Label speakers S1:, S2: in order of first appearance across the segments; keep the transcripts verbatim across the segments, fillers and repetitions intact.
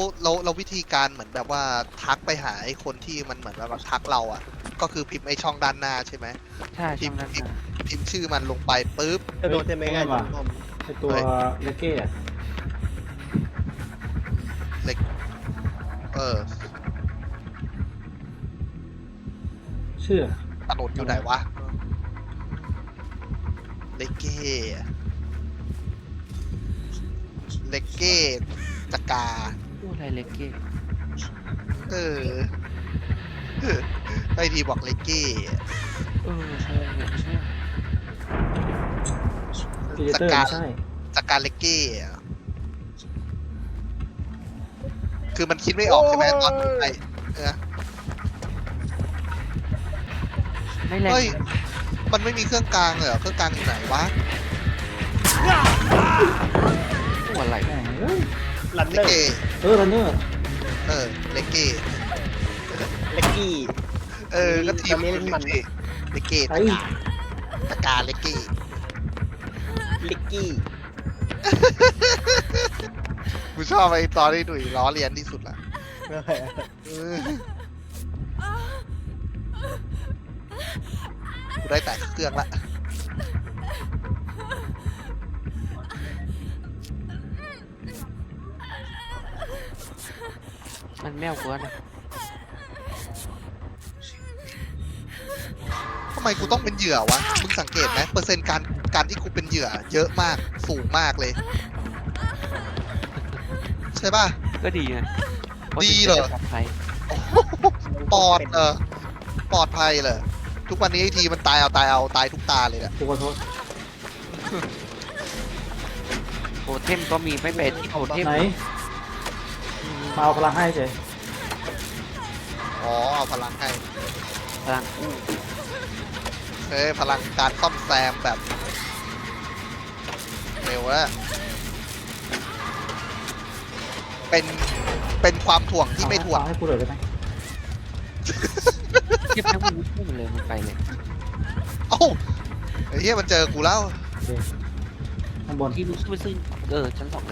S1: เราเราวิธีการเหมือนแบบว่าทักไปหาไอ้คนที่มันเหมือนแบบว่าทักเราอ่ะก็คือพิมพ์ไอ้ช่องด้านหน้าใช่ไหม
S2: ใช่
S1: พิ
S2: ช่อ
S1: ม
S2: ง
S1: พ์
S2: นั้น
S1: พิมพ์
S2: นะ
S1: พิมพ์ชื่อมันลงไปปุ๊บ
S3: จะโดนเต็มไม่ง่ายจนผม
S4: ไอตัวเลกเก้อะ
S1: เล็กเออ
S4: ชื่อ
S1: ถนนอยู่ไหนวะเลกเก้เลกเก้จักรา
S2: พูดอะไรเล็กเก้
S1: เออไอทีบอกเลกเก้
S2: เออใช่เนี่ยใช่
S4: พีเดเตอร์ไม่ใช่
S1: จักราเลกเก้อะคือมันคิดไม่ออกใช่ไหมตอนไอเออ
S2: ไม่แรง
S1: เฮ้ย มันไม่มีเครื่องกลางเลยเหรอเครื่องกลางอยู่ไหนวะ
S2: พูดอะไร
S4: แหม่เอ้ย
S3: ลัน
S1: เล
S3: เนอก ร์
S1: เก้
S4: เออรันเนอร์
S1: เออเลกเก้
S3: เล็กกี้
S1: เออก็ทีม
S3: ตอนนี้มัน
S1: เลกเก้
S4: ไอ้
S1: ตะกาเลกเก้
S3: ลิกกี้
S1: กูชอบไอ้ตอนที่หนุ่ยล้อเลียนที่สุดละเออกูได้แต่เครื่องละ
S2: มันแมวกว่านะ
S1: ทำไมกูต้องเป็นเหยื่อวะมึงสังเกตไหมเปอร์เซ็นต์การการที่กูเป็นเหยื่อ เยอะมากสูงมากเลย ใช่ป่ะ
S2: ก็ดีไง
S1: ดีเหรอ
S2: ปลอดภัย
S1: ปลอดเออปลอดภัยเลยทุกวันนี้ไอทีมันตายเอาตายเอาตายทุกตาเลยอะ
S4: กูขอโทษ
S2: โทเทมก็มีไม่เป็นที่โทเทม
S4: ไหนมาเอาพลังให้เฉย
S1: อ๋อเอาพลังให้
S2: พลังอู้
S1: เฮ้ยพลังการซ่อมแซมแบบเร็วแล้วเป็นเป็นความถ่วงที่ไม่ถ่วง
S4: เอาให้กูเลยได้ไหม
S2: เทียบทั้งมันพูดมันเลยมันไปเลย
S1: เอ้าไอ้เหี้ยมันเจอกูแล้ว
S4: โอเคข้างบน
S2: ที่รู้สึกไปซึ่งเออชั้นสองเลย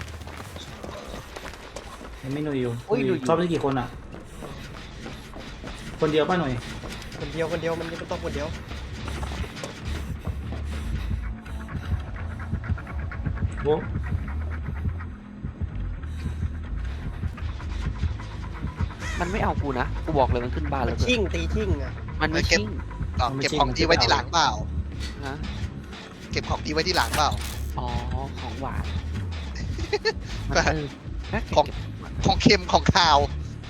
S4: ยังไม่หน่วยอยู่
S2: โอ้ยหน่วยอยู่
S4: ชอบได้กี่คนอ่ะ คนเดียวป่ะหน่วย
S3: คนเดียวคนเดียวมันไม่ต้องคนเดียว
S4: โว้
S2: มันไม่เอากูนะกูบอกเลยมันขึ้นบ้าน
S3: มั
S2: แล้
S3: น
S2: วเกิ
S3: ชิ่
S2: น
S3: งตีชิ่งอะ
S2: มันไม่ชิ่ง
S1: อ๋อเก็บของดีไว้ที่หลังเปล่า
S2: นะ
S1: เก็บของดีไว้ที่หลังเปล่า
S2: อ๋อของหวานมัน
S1: แบบ
S2: เออแม่เก็บ
S1: ของ ของเค็มของคาว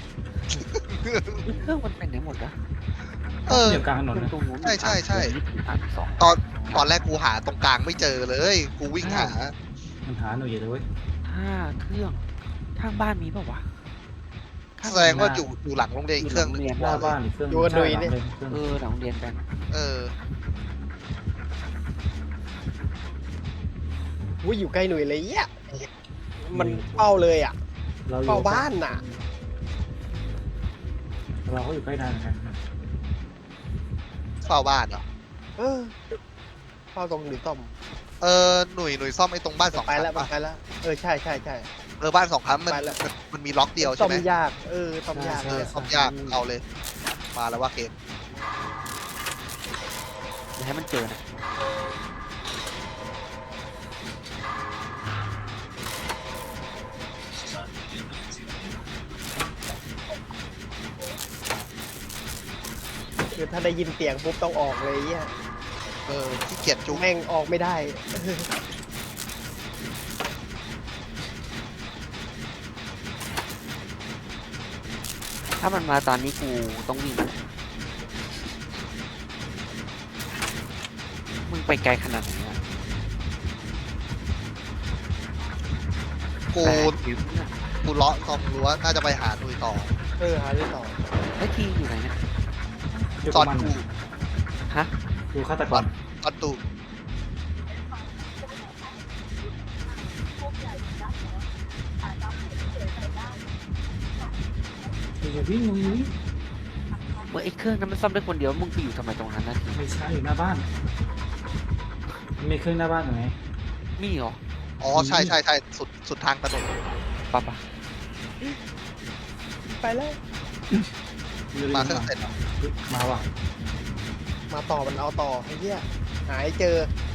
S2: เครื่องมันเป็นไหนหมดนะ
S1: เออ
S4: เดียวกลางถนนนะ
S2: ตรงนู้น
S1: ใช่ใช่ใช่
S2: อันสอง
S1: ตอนตอนแรกกูหาตรงกลางไม่เจอเลย กูวิ่งหา
S4: มันหาหน่วยอยู่เลยเว้ย
S2: ห้าเครื่องข้างบ้านมีเปล่าวะข้าง
S1: แสดงว่าอยู่อยู่หลังโรงเรียนอีกเครื่องหนึง
S4: หน้าบ้านอีกเครื่อง
S3: อยู่กับหน่วยเนี่ย
S4: เครื่อง
S2: เออหลังโรงเรียนกัน
S1: เออ
S3: วุ้ยอยู่ใกล้หน่วยเลยอ่ะมันเป้าเลยอ่ะ
S4: เราอยู่
S3: เป้าบ้านน่ะ
S4: เราก็อยู่ใกล้นานเหมือนกัน
S1: เฝ้าบ้านเหรอ
S3: เออเป้าตรงหรือต้อม
S1: เออหนุ่ยหนุ่ยซ่อมไอ้ตรงบ้านสอง
S3: ไป
S1: ชั้น
S3: แล้ว
S1: ปะ
S3: ไปแล้วเออใช่ใช่ใช่
S1: เออบ้านสองชั้นมัน
S3: ไปแล้ว
S1: มันมันมีล็อกเดียว
S3: ต้
S1: ใช่
S3: อม
S1: ไหม
S3: ยากเออต้อมยาก
S1: เอ
S3: เล
S1: อย ซ่อมยากเอาเลย มาแล้วว่าเกม
S2: อย่าให้มันเจอนะ
S3: คือถ้าได้ยินเสียงปุ๊บต้องออกเลยอ่ะ
S1: เออขี้เกียจจุ๊บ
S3: แม่งออกไม่ได้
S2: ถ้ามันมาตอนนี้กูต้องวิ่งนะมึงไปไกลขนาดไหนอะ
S1: กู
S2: แปดคิวเนี่ย
S1: กูเลาะซอมรั้วน่าจะไปหาหนุ่ยต่อ
S3: เออหาด้วยต่อ
S2: ไอ้ทีอยู่ไหนเนี่ย
S4: อยู่
S1: ต
S4: กั
S1: อบ น
S4: มัน
S1: กู
S2: ฮะ
S4: ดูฆาตกร
S1: ตอนตู
S4: อย่าวิ่งมึงวิ่ง
S2: เมื่อไอ้เครื่องนั้นมันซ่อมได้คนเดียวมึงไปอยู่ทำไมตรงนั้นนะที
S4: ไม่ใช่อยู่หน้าบ้านมีเครื่องหน้าบ้านอยู่ไหน
S2: มีเหรอ
S1: อ๋อใช่ใช่ใช่สุดสุดทางถนน
S2: ปะปะ
S3: ไปแล้ว
S1: มาเครื่องเสร็จเหรอ
S4: มาว่ะ
S3: มาต่อมันเอาต่อไอ้เหี้ยหายเจอ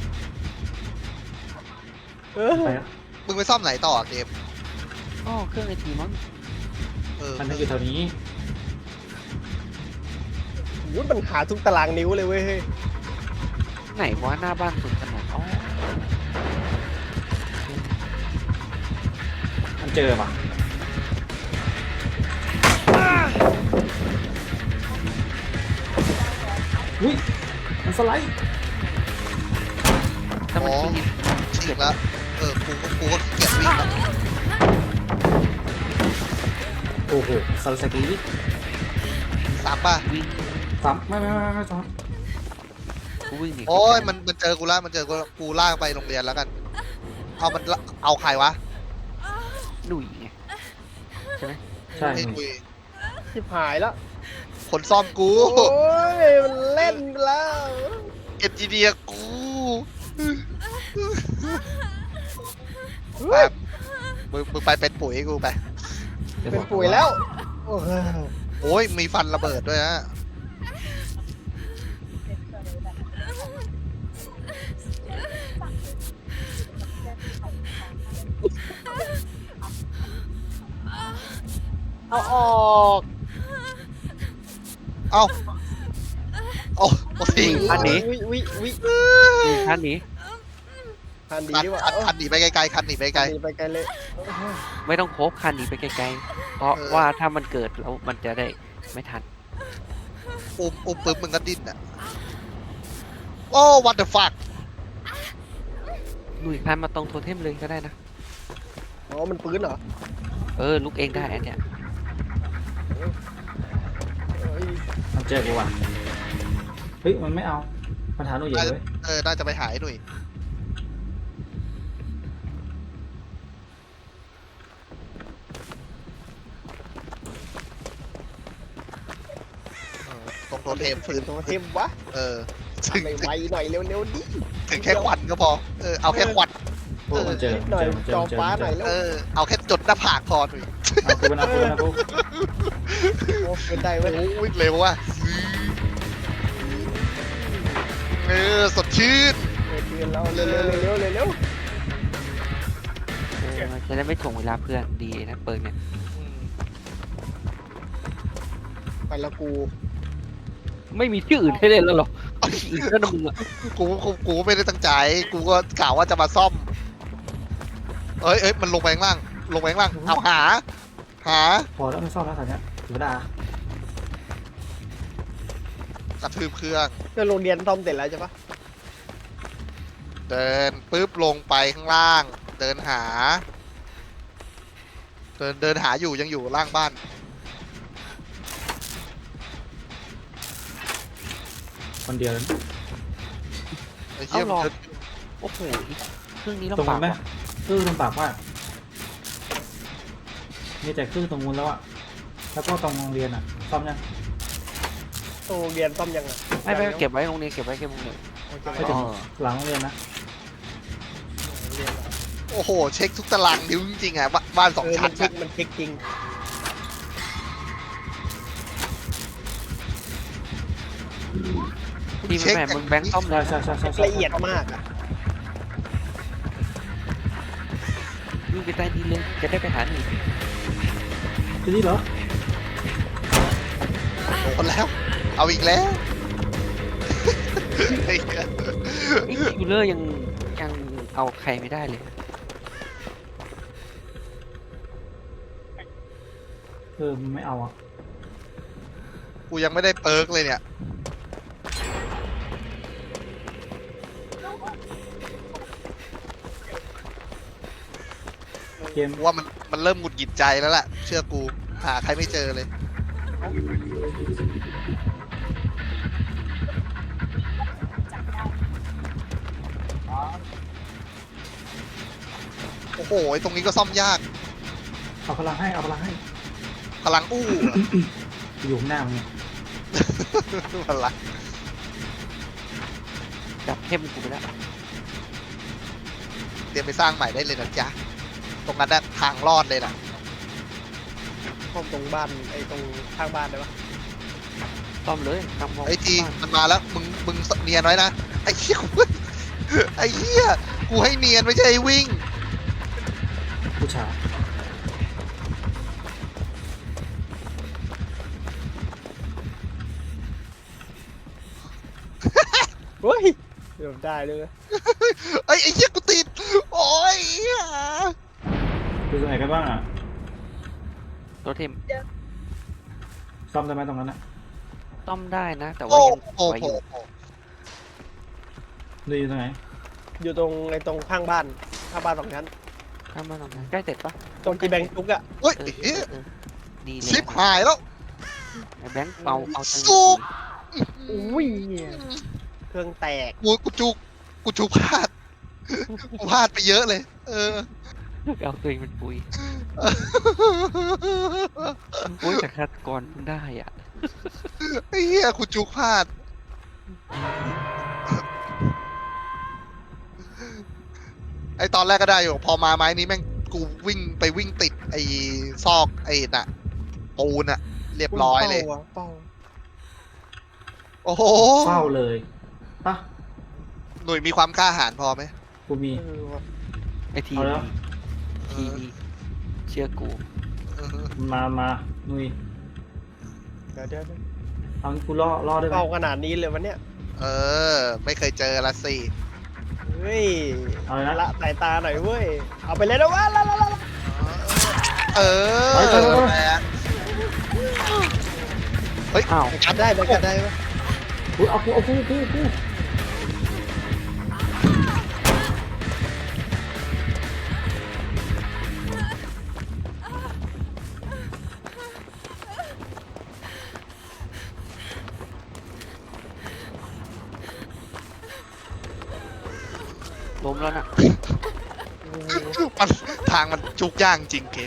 S3: เออ
S4: ไปแล้ว
S1: มึงไปซ่อมไหนต่อเกม
S2: อ๋อเครื่องไอทีมั้ง
S1: เออ
S4: มันอยู่แถวนี้
S3: วุ้ยมันหาทุกตารางนิ้วเลยเว้ยเฮ้ย
S2: ไหนวะหน้าบ้านสุดขนาดอ๋อ
S4: มันเจอป่ะอุ้ยมันสไลด์
S2: ถ้ามันขี้
S1: ฉีกแล้วเออกูก็กูก็ขี้เกียจวิ่งแล้ว
S4: โอ้โหสไลด์สกีดิ
S1: สามป่ะ
S2: วิ่ง
S4: สามไม่ไม่ไม่ไม่สาม
S2: กูวิ่งหนี
S1: โอ้ยมันมันเจอกูแล้วมันเจอกูแล้วกูลากไปโรงเรียนแล้วกันเอามันละเอาใครวะ
S2: หนุ่ยไงใช่ไหม
S4: ใช่
S1: ไอ้คุย
S3: ชิบหายแล้ว
S1: คนซ่อมกู
S3: โอ้ยมันเล่นแล้ว
S1: เอ็นจีเดียกู
S3: เฮ้
S1: แบ
S3: ย
S1: บมึงมึงไปเป็นปุ๋ยกูไป
S3: เป็นปุ๋ยแล้วโอ้โห
S1: โอ้ยมีฟันระเบิดด้วยนะ
S3: เอาออก
S1: เอ้าโอ้โอ้สิ
S3: อันนี้วิวิวิ
S2: นี่ท่านนี้
S3: ทันดี
S1: คัน
S3: ดีกว่า
S1: คันคันหนีไปไกลๆคันหนีไปไกล
S3: คันดีไปไกลเลย
S2: ไม่ต้องโคบคันหนีไปไกลๆ เพราะ
S1: เออ
S2: ว่าถ้ามันเกิดแล้วมันจะได้ไม่ทัน
S1: อุ้มอุ้มปึ๊บมึงก็ดิ้นอ่ะโอ้ what the fuck
S2: หนุ่ยพันมาตรงโทเทมเลยก็ได้นะ
S3: อ๋อมันปืนเหรอ
S2: เออลุกเองได้อันเนี้ย
S3: เอ้ย
S4: มันเจอกูว่ะเฮ้ยมันไม่เอามันหาหนูอยู่เลย
S1: เออน่าจะไปหาไอ้หนุ่ยเออตรงโทเทมฟื้น
S3: ตัวเทมวะ
S1: เออถึง
S3: ไปไวหน่อยเร็วๆดิ
S1: ถึงแค่ควันก็พอเออเอาแค่ควัน
S4: โอ้มันเจอ
S3: นิด
S4: มัน
S3: หน่อย
S4: เจอมันเจอ
S3: จอ
S4: มันเจอ
S3: ฟ้า
S4: มัน
S3: ห
S4: เจ
S3: น่อย
S4: อ
S3: แล้ว
S1: เออเอาแค่จดหน้าผากพอหนุ่ย
S4: เอากูนะกูนะกู
S3: โอ้เป็นได้เว้ย
S1: โอ้วิ่งเร็วว่ะเออสดชื่น
S3: เออเตือนเราเร็วๆเร็วๆเร็ว
S2: เออจะได้ไม่ถ่วงเวลาเพื่อนดีนะเปิดเนี่ย
S3: ๆไปแล้วกู
S2: ไม่มีชื่ออื่นให้เล่นแล้วหรออีกแล้วนะมึงอะ
S1: กูกูกูไม่ได้ตั้งใจ กูก็กล่าวว่าจะมาซ่อม เอ้ยเอ้ยมันลงไปข้างล่าง ลงไปข้างล่าง เอาหา หา
S4: พอแล้วไม่ซ่อมแล้วสันเนี้ยถือดาก
S1: ระทืบเครื่อง
S3: ก็โรงเรียนซ่อมเสร็จแล้วใช่ปะ
S1: เดินปุ๊บลงไปข้างล่าง เดินหา เดินเดินหาอยู่ยังอยู่ล่างบ้าน
S4: คนเดียวเลย
S1: ไอ้เหี้ยมันเดิน
S2: โอ้โหเครื่องนี้
S4: ตรง
S2: ลำบา
S4: นู้
S2: ก
S4: นไหม
S2: ว่ะ
S4: คือลำบากมากมีแต่คือตรงนู้นแล้วอะแล้วก็ตรงโรงเรียนอะซ่อมยัง
S3: โรงเรียนซ่อมยังอ่ะ
S2: ไม่ไม่เก็บไว้โรงเรียนเก็บไว้เก็บโรงเรียน
S4: ไม่ถึงหลังโรงเรียนนะ
S1: โอ้โห เช็คทุกตารางนิ้วจริงๆอ่ะบ้านบ้านสอง
S3: เออ
S1: ชั้
S3: มัน นเช็ค
S1: อะ
S3: มันเช็คจริง
S2: ดีไหมแม่มึงแบงค์ต้อมเล
S4: ใช่
S2: ย
S4: ใช่ใช่ใช่
S3: ละเอียดมากอ่ะ
S2: วิ่งไปใต้ดินเลยจะได้ไปหาหนี
S4: จะดีเหรอ
S1: โดนแล้ว เอาอีกแล้วไอ้เหี้ย
S2: ไอ้คิวเลอร์ยังยังเอาใครไม่ได้เลย
S4: เออมันไม่เอาอะ
S1: กูยังไม่ได้เปิร์กเลยเนี่ย
S4: เกม
S1: กูว่ามันมันเริ่มหงุดหงิดใจแล้วแหละเชื่อกูหาใครไม่เจอเลย โอ้โหไอ้ตรงนี้ก็ซ่อมยาก
S4: เอาพลังให้เอาพลังให้
S1: พลังอู้อะ
S4: อยู่ข้างหน้ามึงเนี่ย
S1: พลัง
S2: จับเข้มกูไปแล้ว
S1: เตรียมไปสร้างใหม่ได้เลยนะจ๊ะ ตรงนั้นน่ะทางรอดเลยนะ
S3: ซ่อมตรงบ้านไอ้ตรงข้างบ้านได้ปะ
S2: ซ่อมเลยทำมอง
S1: ไอ้ที
S2: บ้าน
S1: มันมาแล้วมึงมึงเนียนไว้นะไอ้เหี้ยไอ้เหี้ยกูให้เนียนไม่ใช่ให้วิ่ง
S4: ผู้ชาย
S3: เฮ้ยเดี๋ยวได้เลย
S1: ไอ้ไอ้เหี้ยกูติดโอ้ยเหี้ย
S4: คือตรงไหนกันบ้างอ่ะ
S2: รถเทม
S4: ซ่อมได้ไหมตรงนั้นอ่ะ
S2: ซ่อมได้นะ แต่ว่า
S1: โอ้
S2: ยัง
S1: โอ้
S2: ไว้
S1: โห
S2: อยู่
S4: ดูอยู่ตรงไหน
S3: อยู่ตรงไอ้ตรงข้างบ้านข้างบ้านสองชั้น
S2: ข้ามมาตรงนั้นใกล้เสร็จปะ
S3: ตรงที่แบงค์ทุกอะ
S1: เฮ้ย
S2: เออ
S1: ไอ้เหี้ย
S2: เออดีเลย
S1: ชิบหายแล้ว
S2: ไอ้แบงค์เอาเอาตังค์
S1: สู้
S3: อุ้ยเครื่องแตก
S1: กูกูจุกกูจุกพลาดกูพลาดไปเยอะเลย เออ
S2: เอาตัวเองเป็นปุยปุยแต่ฆาตกรเพิ่งได้อ่ะ
S1: ไอ้เหี้ยกูจุกพลาด ไอ้ตอนแรกก็ได้อยู่ พอมาไม้นี้แม่งกูวิ่งไปวิ่งติดไอ้ซอกไอ้น่ะปูนอะเรียบร้อยเลย
S3: เป้าอะเป้า
S1: โอ้โห
S4: เฝ้าเลยปะ
S1: หน่วยมีความกล้าหาญพอไหม
S4: กูมี
S3: เออว่ะ
S2: ไอที
S4: เอาแล้ว
S2: ทีเชื่อกู
S1: เออ
S4: มามานุย
S3: เดี๋ยวเดี๋ยวเดี๋ยว
S4: เอางี้กูล่อล่อได้ไหม
S3: เป้าขนาดนี้เลยวันเนี้ย
S1: เออ ไม่เคยเจอละสิ
S3: เฮ้ย
S4: เอาเลยนะ
S3: ละสายตาหน่อยเว้ยเอาไปเลยนะวะละละละละ
S1: เออ
S4: ไปไปไปไป
S1: แหละเฮ้ย
S2: อ้าว
S3: กัดได้ไหมกัดได้ไหม
S4: อุ๊ยเอากูเอากูกูกู
S2: ล้มแล้วน่ะ
S1: มันทางมันจุกย่างจริงเกม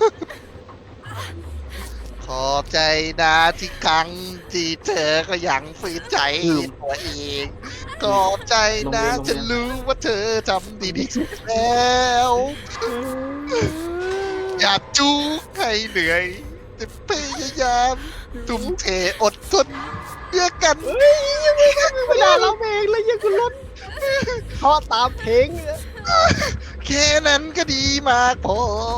S1: ขอบใจนะที่ครั้งที่เธอก็ยังฝืนใจตัวเอง ขอบใจนะฉันรู้ว่าเธอทำดีที่สุดแล้ว อย่าจุกให้เหนื่อยจะพยายามทุ่มเทอดทนเพื่อกัน
S3: เฮ้ยยังไม่ไม่ได้ร้องเพลงเลยยังคุณล้นเพราะตามเพลงเนี่ย
S1: แค่นั้นก็ดีมากพอ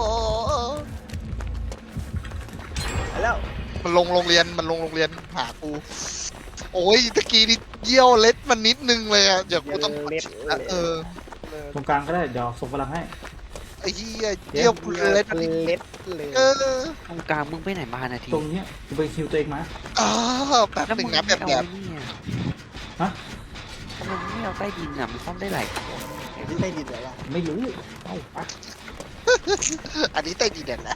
S3: ไปแล้ว
S1: มันลงโรงเรียนมันลงโรงเรียนหากู โอ้ยตะกี้นี่เยี่ยวเล็ดมันนิดนึงเลยอะเดี๋ยวกูต้อง
S3: เล็ด
S1: นะเออ
S4: ตรงกลางก็ได้เดี๋ยวส่งพลังให้
S1: ไอ้เหี้ยเยี่ยวเล็ดมันนิด
S3: เล็ดเลย
S1: เออ
S2: ตรงกลางมึงไปไหนมานาที
S4: ตรงเนี้ยกูไปคิวตัวเองมา
S1: อ้าวแป๊บ
S2: แล้ว
S1: หนึ่
S2: มึ
S1: ง
S2: ง
S1: นะ
S2: ไม่
S1: แบบ
S2: เอา
S1: แบบ
S2: ไอ้นี่อ่ะ
S4: ฮะ
S2: ทำไมมึงไม่เอาใต้ดินอ่ะมันซ่อมได้หลายคน
S3: ไอ้ที่ได้ดินเหรอวะ
S4: ไม่รู้เอาไป
S1: อันนี้ใต้ดินเด่นนะ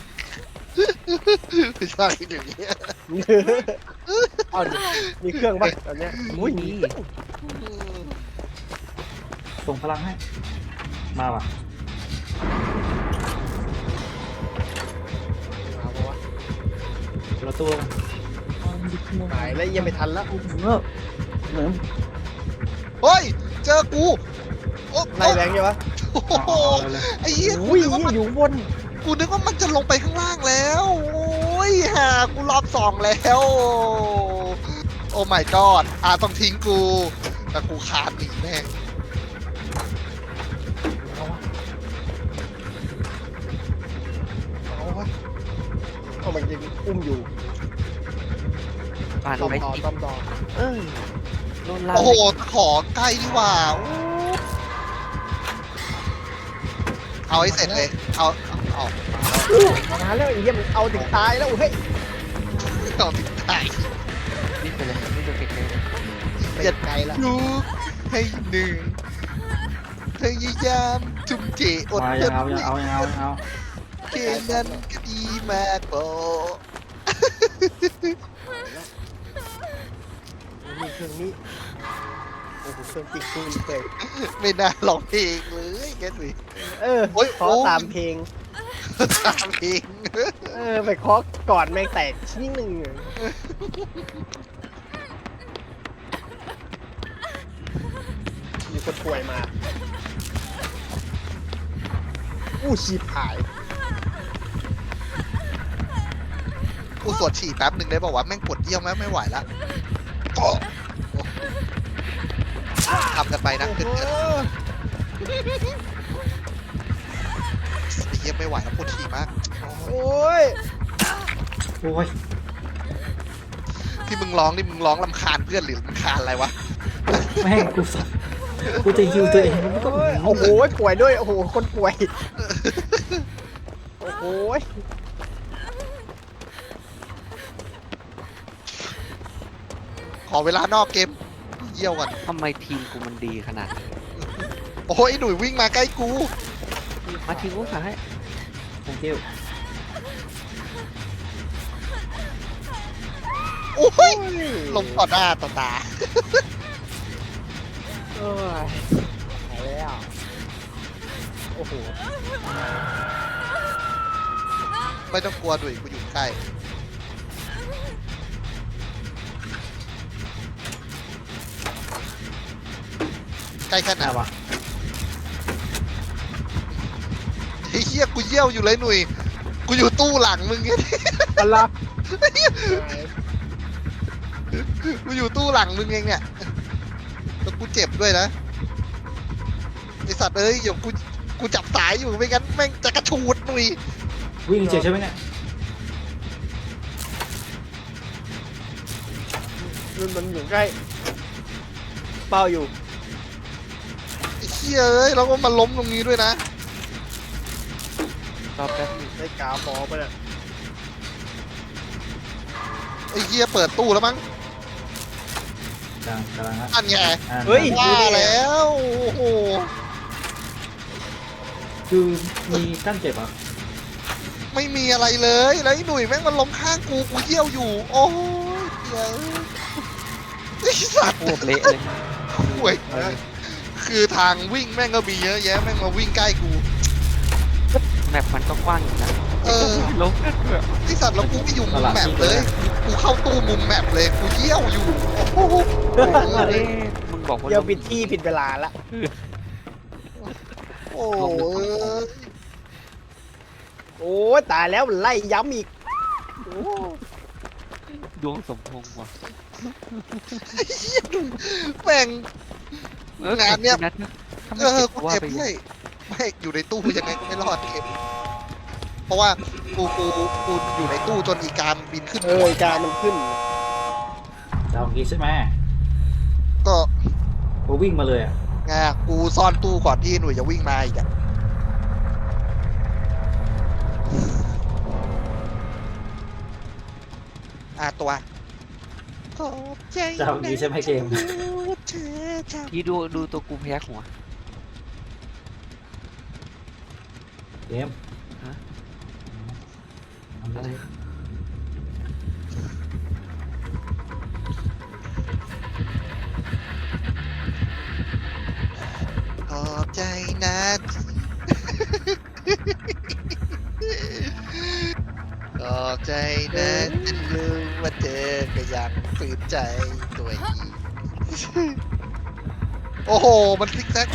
S1: ไม่ใช่เดี๋ยวนี้
S3: เอาดิมีเครื่องป่ะตอนเนี้ย
S2: อุ้ยมี
S4: ส่งพลังให้ มาว่ะ
S3: เอาปะวะ
S4: เราตัว
S3: หายแล้วยังไม่ทันแล้ว
S4: เออเหมือน
S1: เฮ้ยเจอกูโอ้
S3: ไล่แบงค์ใช่ปะ
S1: โอ้โห
S4: เอาเอาเลย
S1: ไอ้เหี้ยกู
S3: อุ้ย
S1: นึกว่ามัน
S3: อยู่บน
S1: กูนึกว่ามันจะลงไปข้างล่างแล้ว โอ้ยหากูรอบสองแล้ว โอ้ my god อาต้องทิ้งกู แต่กูขาดหนีแม่ง
S3: เอาวะเอามันยังอุ้มอยู่
S2: ผ่าน
S3: ต้อม
S2: ไป
S3: ต่อ
S2: ติด
S3: ต้อมต่อ
S2: เออโดนลาก
S1: โอ้โห ขอใกล้ดีกว่าโอ้เอาให้เสร็จเลย เอา เอา
S3: มาแล้วไอ้เหี้ยมันเอาถึงตายแล้วเฮ้ย
S1: เอาเอาติดตาย
S2: นี่ไปเลยนี่ตัวเก่งเลย
S3: ไปไกลละ
S1: ดูให้หนึ่งพยายามจุ่มเจอด
S4: มา
S1: ท
S4: ยัง
S1: น
S4: เอายังเอายังเอายังเอา
S1: แค่นั้นก็ดีมากพอ
S3: มีเครื่องนี้โอ้โหเครื่องจิกกูเลย
S1: ไม่น่าร้องเพลงเลยแกสิ
S3: เออ
S1: โอ้ย
S3: ขอ
S1: โอ้ย
S3: ตามเพลง
S1: ตามเพลง
S3: เออไปเคาะก่อนแม่งแตกชิ้นหนึ่งมีคนป่วยมา อู้ชีพหาย
S1: กูสวดฉี่แป๊บหนึ่งได้บอกว่าวะแม่งปวดเยี่ยวแม่งไม่ไหวละโอ้ทำกันไปนะ
S3: โอ้
S1: เกิน
S3: โห
S1: ๆไอ้เยี่ยไม่ไหวแล้วปวดฉี่มาก
S3: โอ้ย
S4: โอ้ย
S1: ที่มึงร้องนี่มึงร้องลำคาญเพื่อนหรือลำคาญอะไรวะ
S4: แม่งกูสัตว์กูจะฮิวตัวเองมันก็
S3: โอ้ยโอ้โหป่วยด้วยโอ้โหคนป่วยโอ้โห
S1: ขอเวลานอกเกมเยี่ยวก่อน
S2: ทำไมทีมกูมันดีขนาดนี้
S1: โอ้ยหนุ่ยวิ่งมาใกล้กู
S2: มาทีมกูสั่งให้
S4: thank you
S1: โอ้ยลงต่อหน้าต่อตา
S3: เอ้ยหายแล้วโอ้โห
S1: ไม่ต้องกลัวหนุ่ยกูอยู่ใกล้ใกล้แค่ไหน
S4: น่าว
S1: ะไอ้เหี้ยกูเยี่ยวอยู่เลยหนุ่ยกูอยู่ตู้หลังมึงเนี่ย
S3: อะไร
S1: กูอยู่ตู้หลังมึงเองเนี่ยแล้วกูเจ็บด้วยนะไอสัตว์เอ้ยเดี๋ยวกูกูจับสายอยู่ไม่งั้นแม่งจะกระชูดหนุ่ย
S4: วิ่งเฉยใช่ไหมเนี่ย
S3: มันมันอยู่ใกล้เป้าอยู่
S1: ไอ้เหี้ยเอ้ยแล้วก็มาล้มตรงนี้ด้วยนะ
S2: รอแป๊บนึง
S3: ได้กาวฟอไปเนี่ย
S1: ไอ้เหี้ยเปิดตู้แล้วมั้ง
S4: กำลังกำลังฮะ
S1: อันไง
S4: อ่า
S3: เฮ้ย
S1: ว่าแล้วโอ้โห
S4: คือมีกั้นเจ็บเหรอ่ะ
S1: ไม่มีอะไรเลยแล้วไอ้หนุ่ยแม่งมันล้มข้างกูกูเยี่ยวอยู่ โอ้ยเหี้ยไอ้สัตว์
S2: โคตรเละเลย
S1: ห่วยคือทางวิ่งแม่งก็มีเยอะแยะแม่งมาวิ่งใกล้กู
S2: แมปมันก็กว้างอยู่นะ
S1: เออ
S2: ลงกันเถอะ
S1: ไอสัตว์แล้วกูไม่อยู่มุมแมปเลย กูเข้าตู้มุมแมปเลย กูเยี่ยวอยู่ โอ้โห
S2: เอ๊ะมึงบอกว่า
S3: เดี๋ยวผิดที่ผิดเวลาละ
S1: โอ้ย
S3: โอ้ยตายแล้วไล่ย้ำอีกโอ้
S2: ดวงสมพงษ์ว่ะ
S1: แม่ง
S2: ออง
S1: านเนี่ย
S2: ถ้า
S1: เอ
S2: ไม่
S1: อ
S2: เก็บ
S1: กู
S2: ว่า
S1: เจ็บ
S2: ไป
S1: ด้วยไม่อยู่ในตู้ยังไงก็ไม่รอดเก็บเพราะว่ากูกูกูอยู่ในตู้จนอีการบินขึ้น
S3: เอออีการมันขึ้น
S4: จะเอาอย่างงี้ใช่ไหม
S1: ก็
S4: กูวิ่งมาเลยอ่ะ
S1: ไงกูซ่อนตู้ก่อนที่หนุ่ยจะวิ่งมาอีกอะอ่ะตัวขอบใจ
S4: จะเอาอย่างงี้ใช่ไหมเกม
S1: เธอทำ
S2: พี่ดูดูตัวกูแพ้หัว
S4: เกม
S2: ฮะ
S4: ทำอะไร
S1: ขอบใจนะขอบใจนะฉันรู้ว่าเธอก็ยังฝืนใจตัวเองโอ้โห มันซิกแซก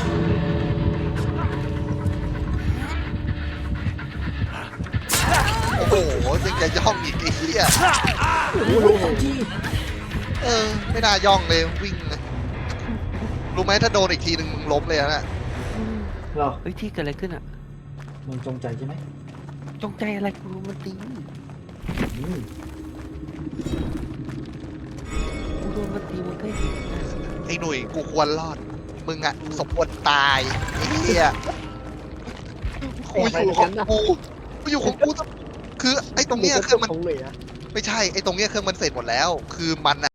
S1: โอ้โหยังจะย่องอีกไอ้เหี้ย
S4: โอ้โหสองที
S1: เออ ไม่น่าย่องเลยวิ่งเลยรู้ไหมถ้าโดนอีกทีหนึ่งมึงล้มเลยนะ
S4: เหรอ
S2: เฮ้ยที่เกิดอะไรขึ้นอ่ะ
S4: มึงจงใจใช่ไหม
S2: จงใจอะไรกูรู้มันตี
S4: อืม
S2: กูโดนมันตีมันก็เห็นนะ
S1: ไอ้หนุ่ยกูควรรอด มึงอะสมควรตายไอ้เหี้ยกูอยู่ของกูกูอยู่ของกูคือไอ้ตรงเนี้ยเครื่องมัน
S3: ตรงเลยอะ
S1: ไม่ใช่ไอ้ตรงเนี้ยเครื่องมันเสร็จหมดแล้ว คือมันอะ